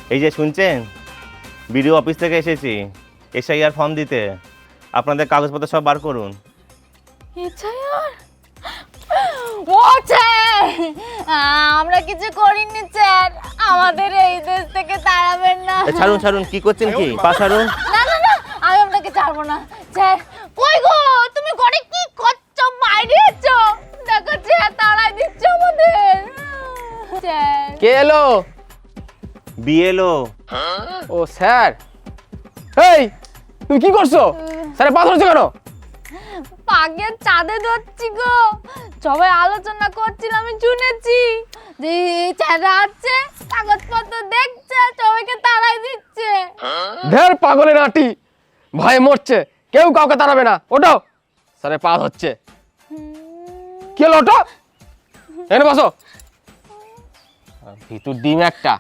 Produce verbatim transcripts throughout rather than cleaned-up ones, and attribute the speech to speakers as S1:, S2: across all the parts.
S1: এই যে শুনছেন, বিডিও অফিস থেকে এসেছি এসআইআর ফর্ম দিতে। আপনাদের কাগজপত্র সব বার করুন।
S2: এসআইআর ও স্যার, আমরা কিছু করিনি স্যার, আমাদের এই দেশ থেকে তাড়াবেন না।
S1: এ, ছাড়ুন ছাড়ুন, কি করছেন কি? পা ছাড়ুন।
S2: না না না, আমি আপনাকে ছাড়বো না স্যার। কই গো, তুমি ঘরে কি করছো? বাইরে এসো, দেখো স্যার তাড়াই দিচ্ছে আমাদের। স্যার
S3: কে এলো?
S1: বিএলও।
S3: ও স্যার। এই তুমি কি করছো? স্যারের পা ধরেছো কেন?
S2: পাগে চাঁদে ধরছি গো, সবাই আলোচনা করছিল, আমি শুনেছি যে এই স্যাররা আছে, কাগজপত্র দেখছে, সবাইকে তাড়াই দিচ্ছে।
S3: ঢের পাগলের নাটি, ভয়ে মরছে, কেউ কাউকে তাড়াবে না। ওটো, স্যারের পা ধরছে। কি হলো? ওটো, এখানে বসো। ভিতর ডিম একটা।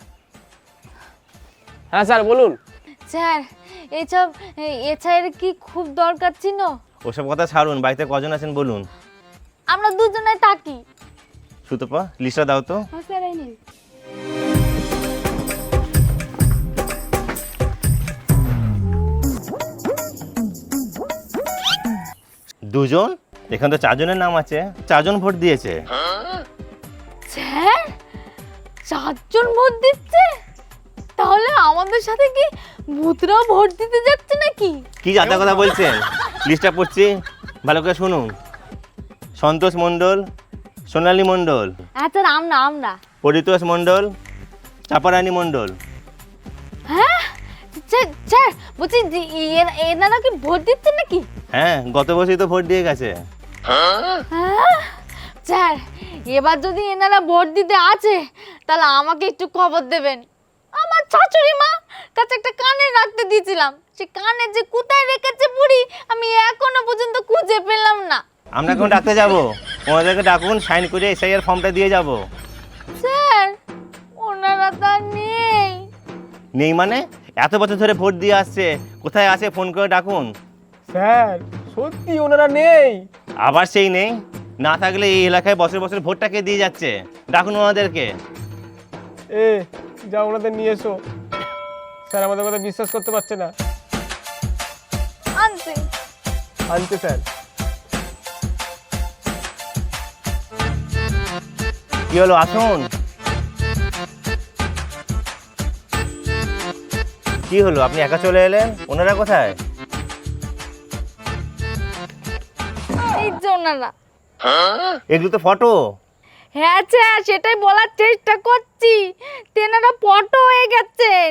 S3: হ্যাঁ স্যার বলুন।
S2: স্যার এইসব এছাড়া কি খুব দরকার ছিল?
S1: ওসব কথা ছাড়ুন, বাড়িতে কজন আছেন বলুন।
S2: আমরা দুজনে থাকি।
S1: সুতপা, লিস্টটা দাও তো।
S2: হ্যাঁ স্যার, এই নিন।
S1: দুজন? এখানে তো চারজনের নাম আছে, চারজন ভোট দিয়েছে।
S2: স্যার চারজন ভোট দিচ্ছে? তাহলে আমাদের সাথে কি ভূতরাও ভোট দিতে যাচ্ছে নাকি?
S1: কি যাতা কথা বলছেন? লিস্টটা পড়ছি, ভালো করে শুনুন। সন্তোষ মণ্ডল, সোনালী মণ্ডল,
S2: আচ্ছা আমরা আমরা
S1: পরিতোষ মণ্ডল, চাপারানী মণ্ডল।
S2: হ্যাঁ স্যার, স্যার বলছি যে এ- এনারা কি ভোট দিচ্ছে নাকি?
S1: হ্যাঁ, গত বছরই তো ভোট দিয়ে গেছে।
S2: হ্যাঁ? স্যার এবার যদি এনারা ভোট দিতে আছে, তাহলে আমাকে একটু খবর দেবেন। আমার শাশুড়ি মা কাছে একটা কানে রাখতে দিয়েছিলাম, সে কানে যে কোথায় রেখেছে বুড়ি, আমি এখনো পর্যন্ত খুঁজে পেলাম না।
S1: আমরা এখন ডাকতে যাব, ওনাদেরকে ডাকুন, সাইন করে এসআইআর ফর্মটা দিয়ে যাব।
S2: স্যার ওনারা তো আর নেই।
S1: নেই মানে? এত বছর ধরে ভোট দিয়ে আসছে, কোথায় আছে ফোন করে ডাকুন।
S3: স্যার সত্যি ওনারা নেই।
S1: আবার সেই নেই? না থাকলে এই এলাকায় বছর বছর ভোটটাকে দিয়ে যাচ্ছে, ডাকুন ওনাদেরকে।
S3: এ যা ওনাদের নিয়ে এসো। স্যার আমাদের কথা বিশ্বাস করতে পারছে না।
S2: আনছি।
S3: আনতে স্যার।
S1: কি হলো, আসুন। কি হলো, আপনি একা চলে এলেন? ওনারা কোথায়?
S2: এই যে ওনারা।
S1: এগুলো তো ফটো।
S2: হ্যাঁ স্যার, সেটাই বলার চেষ্টা করছি, তেনারা ফটো হয়ে গেছেন।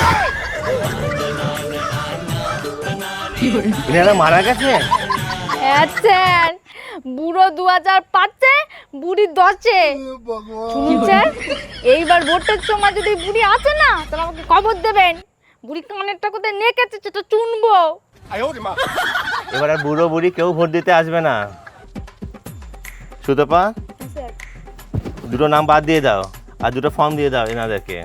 S1: এনারা মারা গেছে?
S2: হ্যাঁ স্যার, বুড়ো দু হাজার পাঁচে, বুড়ি দশে। শুনুন স্যার, এইবার ভোটের সময় যদি বুড়ি আসে না, তাহলে আমাকে খবর দেবেন। বুড়ি কানেরটা কোথায় নেকেছে সেটা চুনবো।
S1: এবার আর বুড়ো বুড়ি কেউ ভোট দিতে আসবে না। সুতপা, দুটো নাম বাদ দিয়ে দাও, আর দুটো ফর্ম দিয়ে দাও এনাদেরকে।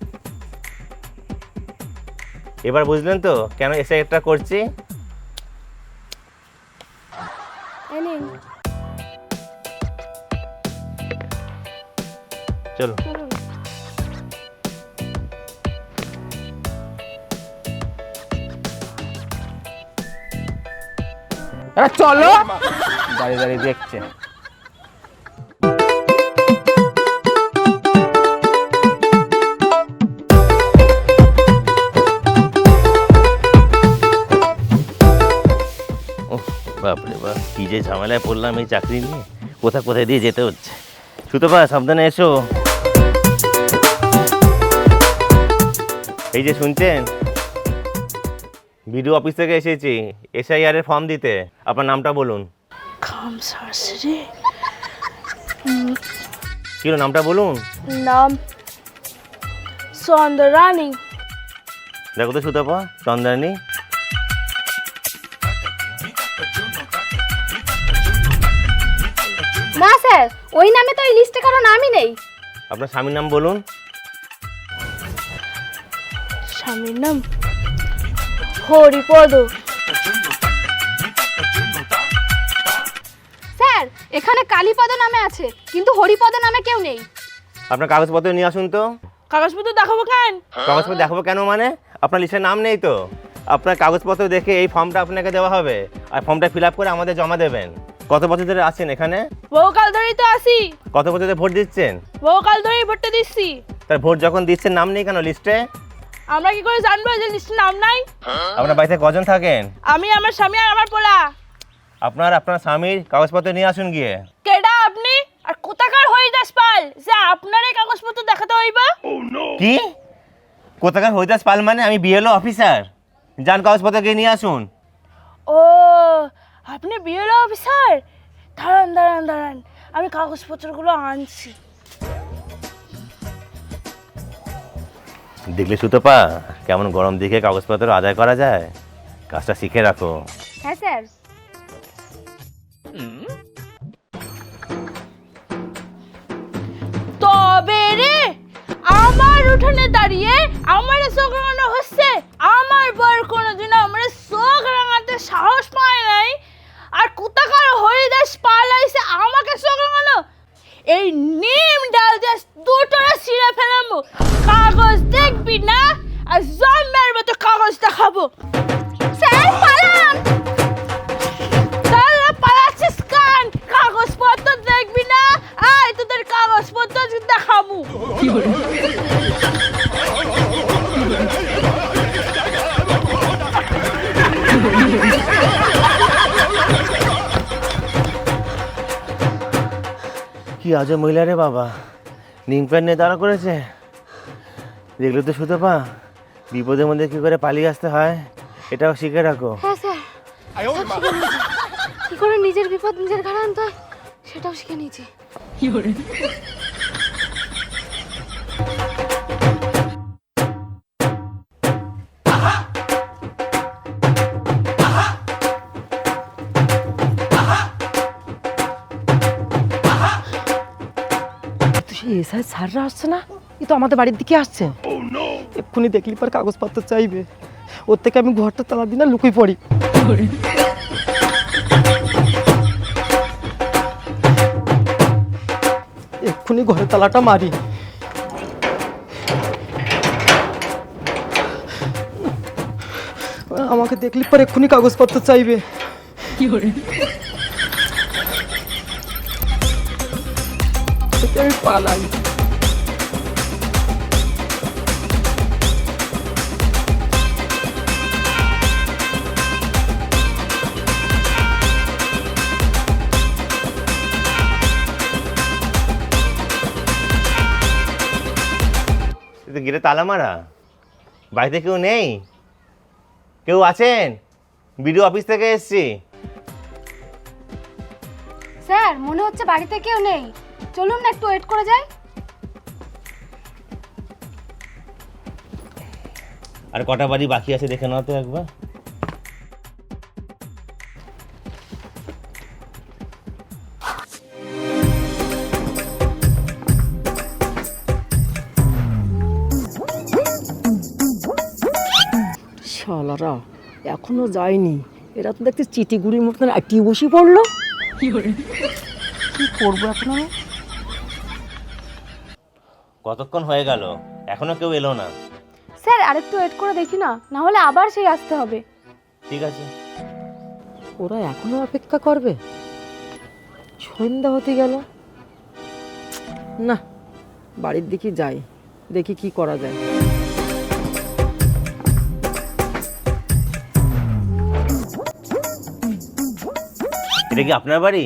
S1: এবার বুঝলেন তো কেন এসে একটা করছি? চলো।
S3: আরে চলো।
S1: দাঁড়িয়ে দাঁড়িয়ে দেখছে। বাপরে বাপ, কি যে ঝামেলায় পড়লাম এই চাকরি নিয়ে, কোথায় কোথায় দিয়ে যেতে হচ্ছে। সুতপা, সাবধানে এসো। এই যে শুনছেন, বিডিও অফিস থেকে এসেছি এসআইআর এর ফর্ম দিতে। আপনার নামটা বলুন।
S4: খাম শাশুড়ি
S1: কি হলো, নামটা বলুন।
S4: নাম চন্দ্রানী।
S1: দেখো তো সুতপা, চন্দ্রানী।
S4: না স্যার, ওই নামে তো এই লিস্টে কারো নামই নেই।
S1: আপনার স্বামীর নাম বলুন।
S4: স্বামীর নাম হরিপদ। স্যার এখানে কালীপদ নামে আছে, কিন্তু হরিপদ নামে কেউ নেই।
S1: আপনার কাগজপত্র নিয়ে আসুন তো।
S5: কাগজপত্র দেখাবো কেন?
S1: কাগজপত্র দেখাবো কেন মানে? আপনার লিস্টে নাম নেই তো। আপনার কাগজপত্র দেখে এই ফর্মটা আপনাকে দেওয়া হবে, আর ফর্মটা ফিল আপ করে আমাদের জমা দেবেন। কত বছর ধরে আছেন এখানে?
S5: বহুকাল ধরেই তো আসি।
S1: কত বছর ধরে ভোট দিচ্ছেন?
S5: বহুকাল ধরেই ভোটটা দিচ্ছি।
S1: তার ভোট যখন দিচ্ছেন নাম নেই কেন লিস্টে?
S5: আমরা কি করে জানবো যে লিস্টে নাম নাই?
S1: আপনার বাড়িতে কজন থাকেন?
S5: আমি, আমার স্বামী আর আমার পোলা।
S1: আপনার আপনার স্বামীর কাগজপত্র নিয়ে আসুন গিয়ে।
S5: কেডা আপনি? আর কোথাকার হরিদাস পাল যে আপনার এই কাগজপত্র দেখাতে হইবা?
S1: কি কোথাকার হরিদাস পাল মানে? আমি বিএলও অফিসার। যান কাগজপত্র গিয়ে নিয়ে আসুন।
S5: ও, আপনি বিএলও অফিসার? দাঁড়ান দাঁড়ান দাঁড়ান, আমি কাগজপত্রগুলো আনছি।
S1: দেখলে সুতপা কেমন গরম দিকে কাগজপত্র আদায় করা যায়? কাজটা শিখে রাখো।
S2: হ্যাঁ স্যার।
S5: তবে রে, আমার উঠানে দাঁড়িয়ে আমার চোখ রাঙানো হচ্ছে। আমার বর কোনোদিন আমার চোখ রাঙাতে সাহস পায় নাই, আর কোথাকার হরিদাস পাল আইছে আমাকে চোখ রাঙানো। এই নিম ডাল দিয়ে দুটোরা ছিঁড়ে ফেলামো। কাগজ দেখবি না, আর জন্মের মতো কাগজ দেখাবো।
S2: স্যার পালান।
S5: তাহলে পালাচ্ছিস কান? কাগজপত্র দেখবি না? আয় তোদের কাগজপত্র দেখাবো।
S1: কি আজব মহিলা রে বাবা, নিম প্যান্ট নিয়ে দাঁড়া করেছে। দেখলে তো সুতপা বিপদের মধ্যে কি করে পালিয়ে আসতে হয় এটাও শিখে রাখো।
S2: হ্যাঁ স্যার, কি করে নিজের বিপদ নিজের ঘাড়ে আনতে হয় সেটাও শিখে নিয়েছি।
S6: এসআই স্যাররা আসছে না? এ তো আমাদের বাড়ির দিকে আসছে। এক্ষুনি দেখলি পর কাগজপত্র চাইবে। ওর থেকে আমি ঘরটা তালা দিই না, লুকিয়ে পড়ি। এক্ষুনি ঘরের তালাটা মারি। আমাকে দেখলি পর এক্ষুনি কাগজপত্র চাইবে। কি করে আমি পালাই।
S1: গেটে তালা মারা, বাড়িতে কেউ নেই? কেউ আছেন? বিডিও অফিস থেকে এসছি।
S2: স্যার মনে হচ্ছে বাড়িতে কেউ নেই, চলুন না একটু ওয়েট করে যাই।
S1: আর কটা বাড়ি বাকি আছে দেখে নাও তো একবার।
S6: শালারা এখনো যায়নি। এরা তো দেখতে চিটিগুড়ির মতন আটি বসে পড়লো। কি করে কি করবো এখন আমি?
S1: কতক্ষণ হয়ে গেল এখনো কেউ এলো না।
S2: স্যার আরেকটু ওয়েট করে দেখি না, না হলে আবার সেই আসতে হবে।
S1: ঠিক আছে।
S6: ওরা এখনো অপেক্ষা করবে? সন্ধ্যা হতে গেল না, বাড়ির দিকে যাই, দেখি কি করা যায়।
S1: এটা কি আপনার বাড়ি?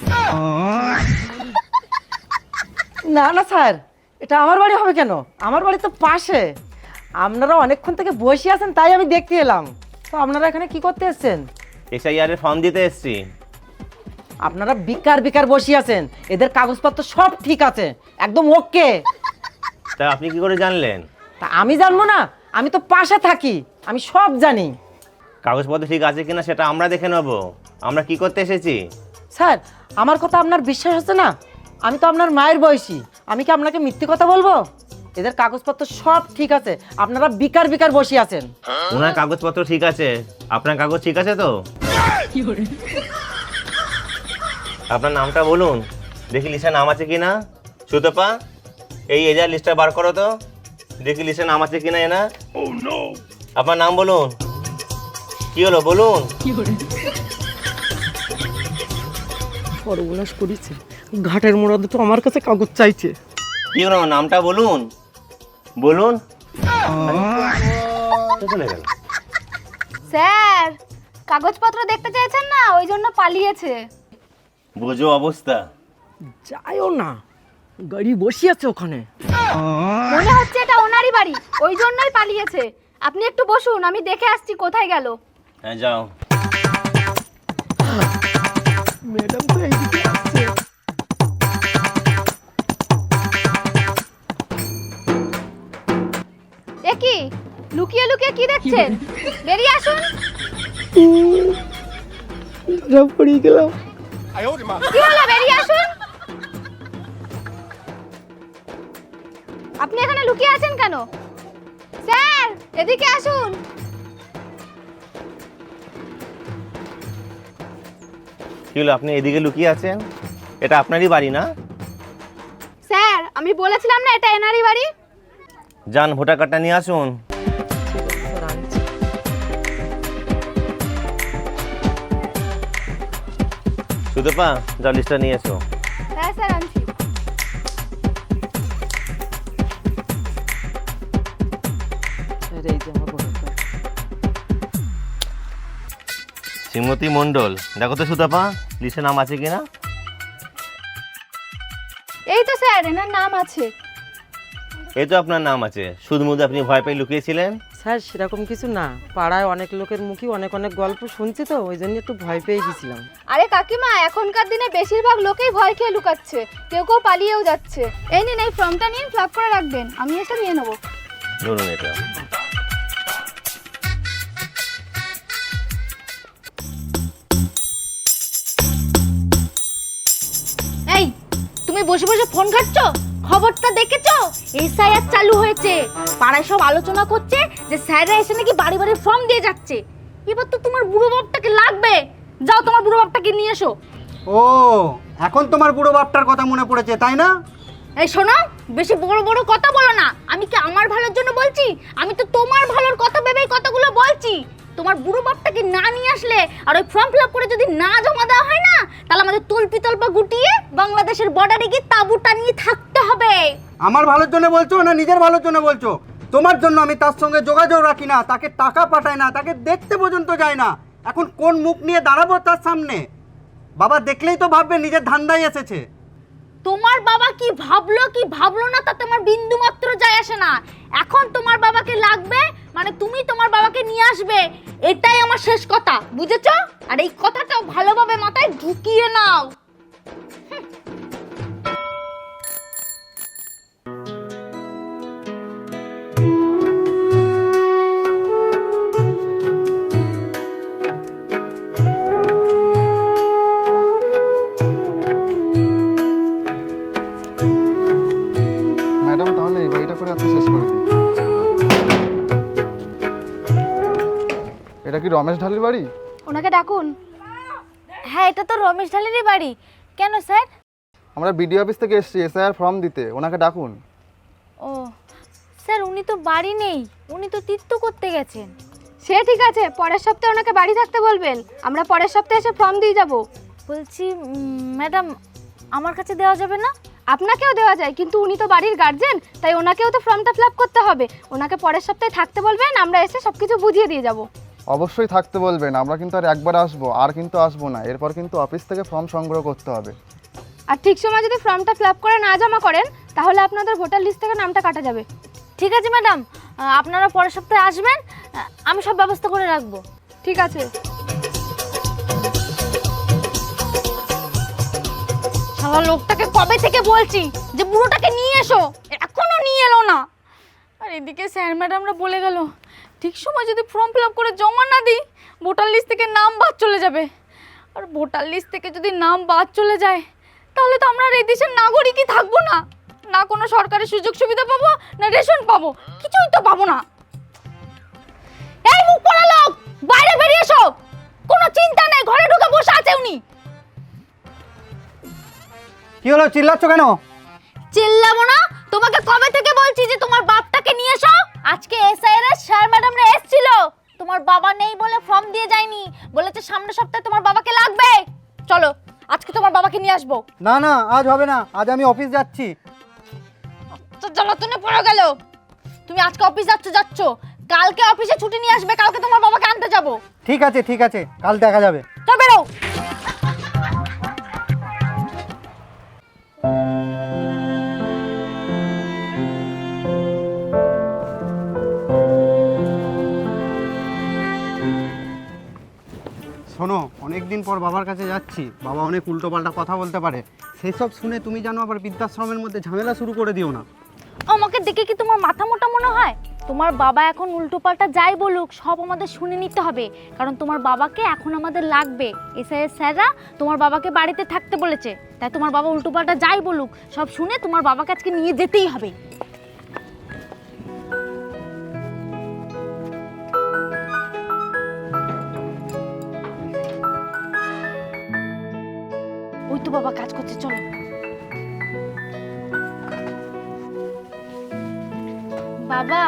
S6: না না স্যার, এটা আমার বাড়ি হবে কেন? আমার বাড়ি তো পাশে। আপনারা অনেকক্ষণ থেকে বসে আছেন তাই আমি দেখতে এলাম। তো আপনারা এখানে কি করতে এসেছেন?
S1: এসআইআর এর ফর্ম দিতে এসছি।
S6: আপনারা বিকার বিকার বসে আছেন, এদের কাগজপত্র সব ঠিক আছে, একদম ওকে।
S1: তা আপনি কি করে জানলেন?
S6: তা আমি জানবো না? আমি তো পাশে থাকি, আমি সব জানি।
S1: কাগজপত্র ঠিক আছে কিনা সেটা আমরা দেখে নেব। আমরা কি করতে এসেছি?
S6: স্যার আমার কথা আপনার বিশ্বাস হচ্ছে না? আমি তো আপনার মায়ের বয়সী, আমি কি আপনাকে মিথ্যে কথা বলবো? এদের কাগজপত্র সব ঠিক আছে, আপনারা বিকার বিকার বসে আছেন।
S1: ওনার কাগজপত্র ঠিক আছে, আপনার কাগজ ঠিক আছে তো? আপনার নামটা বলুন দেখি লিস্টে নাম আছে কিনা। সুতপা এই এজার লিস্টটা বার করো তো। দেখি লিস্টে নাম আছে কিনা এনা। আপনার নাম বলুন, কি হলো বলুন।
S6: সর্বনাশ করেছে, ঘাটের মোড়াতে তো আমার কাছে কাগজ চাইছে।
S1: কি হলো নামটা বলুন বলুন। চলে গেল।
S4: স্যার কাগজপত্র দেখতে চাইছেন না, ওই জন্য পালিয়েছে।
S1: বোঝো অবস্থা।
S6: যাইও না, গাড়ি বসিয়েছে ওখানে।
S4: মনে হচ্ছে এটা ওনারই বাড়ি, ওই জন্যই পালিয়েছে। আপনি একটু বসুন, আমি দেখে আসছি কোথায় গেল।
S1: হ্যাঁ যাও।
S6: ম্যাডাম তো এইদিকে আসছে।
S4: এ কি লুকিয়ে লুকিয়ে কি দেখছেন? বেরিয়ে আসুন।
S6: ধরা পড়ে গেলাম।
S4: কি হলো, বেরিয়ে আসুন। আপনি এখানে লুকিয়ে আছেন কেন? স্যার এদিকে আসুন।
S1: কি হলো আপনি এদিকে লুকিয়ে আছেন? এটা আপনারই বাড়ি না?
S4: স্যার আমি বলেছিলাম না এটা এনারই বাড়ি।
S1: যান ভোটার কার্ডটা নিয়ে আসুন। সুতপা যাও লিস্টটা নিয়ে এসো।
S4: হ্যাঁ স্যার আনছি।
S6: স্যার এই যে আমার ভোটার কার্ড।
S1: শ্রীমতী মণ্ডল, দেখো তো সুতপা লিস্টে নাম আছে কিনা।
S4: এই তো স্যার এনার নাম আছে।
S1: এই তো আপনার নাম আছে, শুধু মুধু আপনি ভয় পেয়ে লুকিয়েছিলেন।
S6: স্যার সেরকম কিছু না, পাড়ায় অনেক লোকের মুখে অনেক অনেক গল্প শুনছি তো, ওই জন্য একটু ভয় পেয়ে গেছিলাম।
S4: আরে কাকিমা এখনকার দিনে বেশিরভাগ লোকেই ভয় খেয়ে লুকাচ্ছে, কেউ কেউ পালিয়েও যাচ্ছে। এই নিন এই ফর্মটা নিন, ফ্লপ করে রাখবেন, আমি এসে নিয়ে নেবো।
S1: ধরুন এটা।
S2: এই তুমি বসে বসে ফোন ঘাটছো? খবরটা দেখেছো? এসআইআর চালু হয়েছে, পাড়ায় সব আলোচনা করছে যে স্যাররা এসে নাকি বাড়ি বাড়ি ফর্ম দিয়ে যাচ্ছে। এবার তো তোমার বুড়ো বাপটাকে লাগবে, যাও তোমার বুড়ো বাপটাকে নিয়ে এসো।
S7: ও এখন তোমার বুড়ো বাপটার কথা মনে পড়েছে তাই না?
S2: এই শোনো, বেশি বড় বড় কথা বলো না। আমি কি আমার ভালোর জন্য বলছি? আমি তো তোমার ভালোর কথা ভেবেই কথাগুলো বলছি। তোমার বুড়ো বাপটাকে না নিয়ে আসলে আর ওই ফর্ম ফিল আপ করে যদি না জমা দেওয়া হয় না, তাহলে আমাদের তল্পি তল্পা গুটিয়ে বাংলাদেশের বর্ডারে গিয়ে তাঁবু টানিয়ে থাকতে হবে।
S7: আমার ভালোর জন্য বলছো না নিজের ভালোর জন্য বলছো? তোমার জন্য আমি তার সঙ্গে যোগাযোগ রাখি না, তাকে টাকা পাঠাই না, তাকে দেখতে পর্যন্ত যায় না। এখন কোন মুখ নিয়ে দাঁড়াবো তার সামনে? বাবা দেখলেই তো ভাববে নিজের ধান্দায় এসেছে।
S2: তোমার বাবা কি ভাবলো কি ভাবলো না তাতে আমার বিন্দু মাত্র যায় আসে না। এখন তোমার বাবাকে লাগবে মানে তুমি তোমার বাবাকে নিয়ে আসবে, এটাই আমার শেষ কথা, বুঝেছো? আর এই কথাটাও ভালোভাবে মাথায় ঢুকিয়ে নাও।
S8: ম্যাডাম তাহলে এই বাড়িটা করে আপনি শেষ করে দিন। এটা কি রমেশ ঢালির বাড়ি?
S4: ওনাকে ডাকুন।
S2: হ্যাঁ এটা তো রমেশ ঢালেরই বাড়ি। কেন স্যার?
S8: আমরা বিডিও অফিস থেকে এসেছি এসআইআর ফর্ম দিতে, ওনাকে ডাকুন।
S2: ও স্যার উনি তো বাড়ি নেই, উনি তো তীর্থ করতে গেছেন।
S4: সে ঠিক আছে, পরের সপ্তাহে ওনাকে বাড়ি থাকতে বলবেন, আমরা পরের সপ্তাহে এসে ফর্ম দিয়ে যাব।
S2: বলছি ম্যাডাম আমার কাছে দেওয়া যাবে না?
S4: আপনাকেও দেওয়া যায়, কিন্তু উনি তো বাড়ির গার্জেন, তাই ওনাকেও তো ফর্মটা ফিল আপ করতে হবে। ওনাকে পরের সপ্তাহে থাকতে বলবেন, আমরা এসে সব কিছু বুঝিয়ে দিয়ে যাব।
S8: অবশ্যই থাকতে বলবেন, আমরা কিন্তু আর একবার আসবো, আর কিন্তু আসবো না। এরপর কিন্তু অফিস থেকে ফর্ম সংগ্রহ করতে হবে।
S4: আর ঠিক সময় যদি ফর্মটা ফিল আপ করে না জমা করেন, তাহলে আপনাদের ভোটার লিস্ট থেকে নামটা কাটা যাবে।
S2: ঠিক আছে ম্যাডাম, আপনারা পরের সপ্তাহে আসবেন, আমি সব ব্যবস্থা করে রাখবো।
S4: ঠিক আছে।
S2: শালা লোকটাকে কবে থেকে বলছি যে বুড়োটাকে নিয়ে এসো, এখনো নিয়ে এলো না। আর এদিকে স্যার ম্যাডামরা বলে গেল ঠিক সময় যদি ফর্ম ফিল আপ করে জমা না দিই ভোটার লিস্ট থেকে নাম বাদ চলে যাবে। আর ভোটার লিস্ট থেকে যদি নাম বাদ চলে যায় তাহলে তো আমরা আর এই দেশের নাগরিকই থাকবো না, না কোনো সরকারি সুযোগ সুবিধা পাবো, না রেশন পাবো, কিছুই তো পাবো না। এই মুখ পড়া লোক, বাইরে বেরিয়ে এসো। কোনো চিন্তা নেই, ঘরে ঢুকে বসে আছে উনি।
S7: কি হলো চিল্লাচ্ছ কেন?
S2: চিল্লাবো না? তোমাকে কবে থেকে বলছি যে তোমার বাপটাকে নিয়ে আজকে এসআইআর এর স্যার ম্যাডামরা এসেছিল, তোমার বাবা নেই বলে ফর্ম দিয়ে যায়নি, বলেছে সামনের সপ্তাহে তোমার বাবাকে লাগবে। চলো আজকে তোমার বাবাকে নিয়ে আসবো।
S7: না না, আজ হবে না, আজ আমি অফিস যাচ্ছি।
S2: তো জ্বালাতনে পড়ে গেল। তুমি আজকে অফিস যাচ্ছ যাচ্ছ কালকে অফিসে ছুটি নিয়ে আসবে, কালকে তোমার বাবাকে আনতে যাবো।
S7: ঠিক আছে ঠিক আছে, কাল দেখা যাবে।
S2: চল বেরো।
S7: শোনো, অনেক দিন পর বাবার কাছে যাচ্ছি, বাবা অনেক উল্টোপাল্টা কথা বলতে পারে, সেসব শুনে তুমি জানো আবার বৃদ্ধাশ্রমের মধ্যে ঝামেলা শুরু করে দিও না।
S2: আমাকে দেখে কি তোমার মাথা মোটা মনে হয়? তোমার বাবা এখন উল্টোপাল্টা যাই বলুক সব আমাদের শুনে নিতে হবে, কারণ তোমার বাবাকে এখন আমাদের লাগবে। এসআইয়ের স্যাররা তোমার বাবাকে বাড়িতে থাকতে বলেছে, তাই তোমার বাবা উল্টোপাল্টা যাই বলুক সব শুনে তোমার বাবাকে আজকে নিয়ে যেতেই হবে। ওই তো বাবা কাজ করছে, চলো। বাবা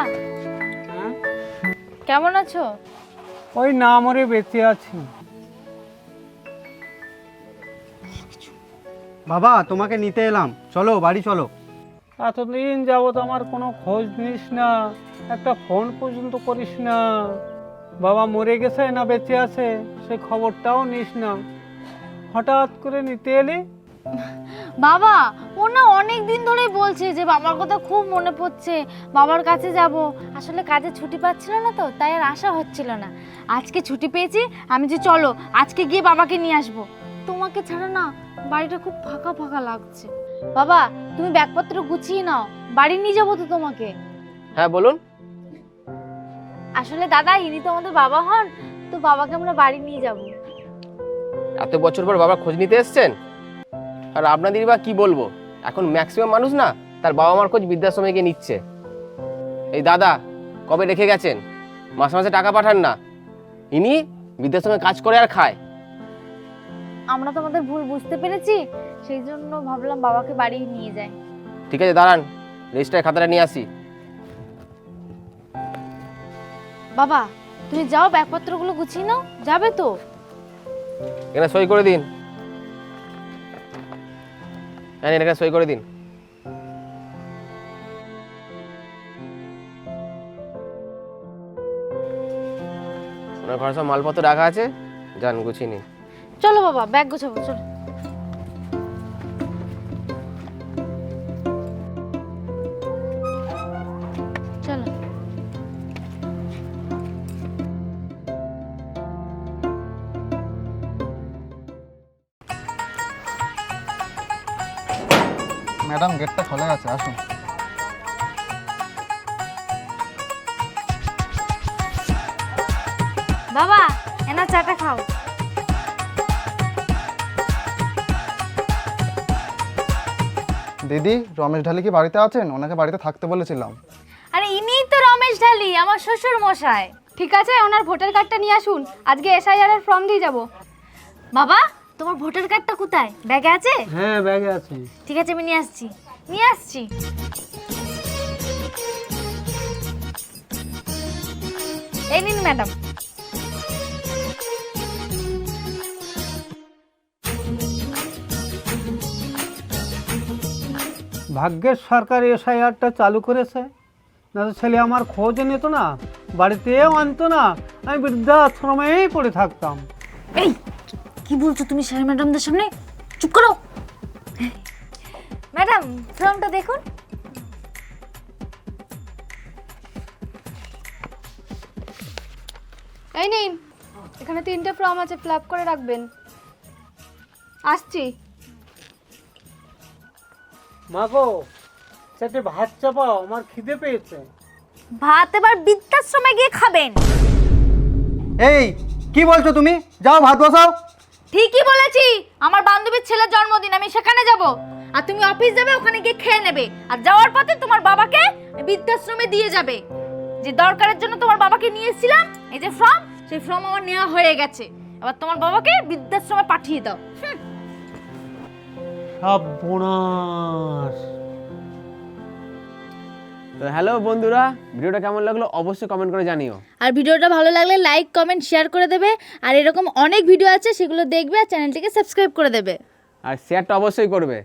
S2: কেমন আছো?
S9: ওই না মরে বেঁচে আছি।
S7: বাবা তোমাকে নিতে এলাম, চলো বাড়ি চলো।
S9: এতদিন যাবত আমার কোনো খোঁজ নিস না, একটা ফোন পর্যন্ত করিস না। বাবা মরে গেছে না বেঁচে আছে সে খবরটাও নিস না, হঠাৎ করে নিতে এলি।
S2: বাবা ও না অনেক দিন ধরেই বলছে যে বাবার কথা খুব মনে পড়ছে, বাবার কাছে যাব। আসলে কাজে ছুটি পাচ্ছিল না তো, তাই আর আশা হচ্ছিল না। আজকে ছুটি পেয়েছি, আমি যে চলো আজকে গিয়ে বাবাকে নিয়ে আসবো। তোমাকে ছাড়া না বাড়িটা খুব ফাঁকা ফাঁকা লাগছে। বাবা তুমি ব্যাগপত্র গুছিয়ে নাও, বাড়ি নিয়ে যাবো তো তোমাকে।
S3: হ্যাঁ বলুন।
S2: আসলে দাদা ইনি তো আমাদের বাবা হন, তো বাবাকে আমরা বাড়ি নিয়ে যাব।
S3: এত বছর পর বাবা খোঁজ নিতে এসছেন, আর আপনাদের বা কি বলবো, এখন ম্যাক্সিমাম মানুষ না তার বাবা মার খোঁজ বৃদ্ধাশ্রমে গিয়ে নিচ্ছে। এই দাদা কবে রেখে গেছেন, মাসে মাসে টাকা পাঠান না, ইনি বৃদ্ধাশ্রমে কাজ করে আর খায়।
S2: আমরা তো আমাদের ভুল বুঝতে পেরেছি, সেই জন্য ভাবলাম বাবাকে বাড়ি নিয়ে যাই।
S3: ঠিক আছে দাঁড়ান, রেজিস্টার খাতাটা নিয়ে আসি।
S2: বাবা তুমি যাও ব্যাগপত্রগুলো গুছিয়ে নাও, যাবে তো?
S3: এখানে সই করে দিন, হ্যাঁ এখানে সই করে দিন। ওনার ঘরে সব মালপত্র রাখা আছে, যান গুছিয়ে নিন।
S2: চলো বাবা ব্যাগ গোছাবো, চলো। চলো।
S8: ম্যাডাম গেটটা খোলা আছে, আসুন।
S2: বাবা এনা চাটা খাও।
S8: দিদি, রমেশ ঢালি কি বাড়িতে আছেন? ওনাকে বাড়িতে থাকতে বলেছিলাম।
S2: আরে ইনিই তো রমেশ ঢালি, আমার শ্বশুর মশাই।
S4: ঠিক আছে, ওনার ভোটার কার্ডটা নিয়ে আসুন, আজকে এসআইআর এর ফর্ম দিয়ে যাব।
S2: বাবা তোমার ভোটার কার্ডটা কোথায়? ব্যাগে আছে?
S9: হ্যাঁ ব্যাগে আছে।
S2: ঠিক আছে আমি নিয়ে আসছি, নিয়ে আসছি। এই নিন ম্যাডাম।
S9: ভাগ্যের সরকার এসআইআরটা চালু করেছে, না তো ছেলে আমার খোঁজ নিত না, বাড়িতেও আনতো না, আমি বৃদ্ধাশ্রমেই পড়ে থাকতাম।
S2: এই কি বলছো তুমি স্যার ম্যাডামদের সামনে? চুপ করো। ম্যাডাম ফর্মটা দেখুন।
S4: এই নিন, এখানে তিনটে ফর্ম আছে, ফিল আপ করে রাখবেন। আসছি।
S9: মা গো, চারটে ভাত চাপাও, আমার খিদে পেয়েছে।
S2: ভাত এবার বৃদ্ধাশ্রমে গিয়ে খাবেন।
S7: এই কি বলছো তুমি? যাও ভাত বসাও।
S2: ঠিকই বলেছি, আমার বান্ধবীর ছেলের জন্মদিন, আমি সেখানে যাব। আর তুমি অফিস যাবে, ওখানে গিয়ে খেয়ে নেবে, আর যাওয়ার পথে তোমার বাবাকে বৃদ্ধাশ্রমে দিয়ে যাবে। যে দরকারের জন্য তোমার বাবাকে নিয়ে এসেছিলাম, এই যে ফর্ম, সেই ফর্ম আমার নেওয়া হয়ে গেছে। এবার তোমার বাবাকে বৃদ্ধাশ্রমে পাঠিয়ে দাও। হুম।
S9: সর্বনাশ,
S3: তো হ্যালো বন্ধুরা, ভিডিওটা কেমন লাগলো অবশ্যই কমেন্ট করে জানিও।
S2: আর ভিডিওটা ভালো লাগলে লাইক কমেন্ট শেয়ার করে দেবে। আর এরকম অনেক ভিডিও আছে, সেগুলো দেখবে আর চ্যানেলটিকে সাবস্ক্রাইব করে দেবে।
S3: আর শেয়ারটা অবশ্যই করবে।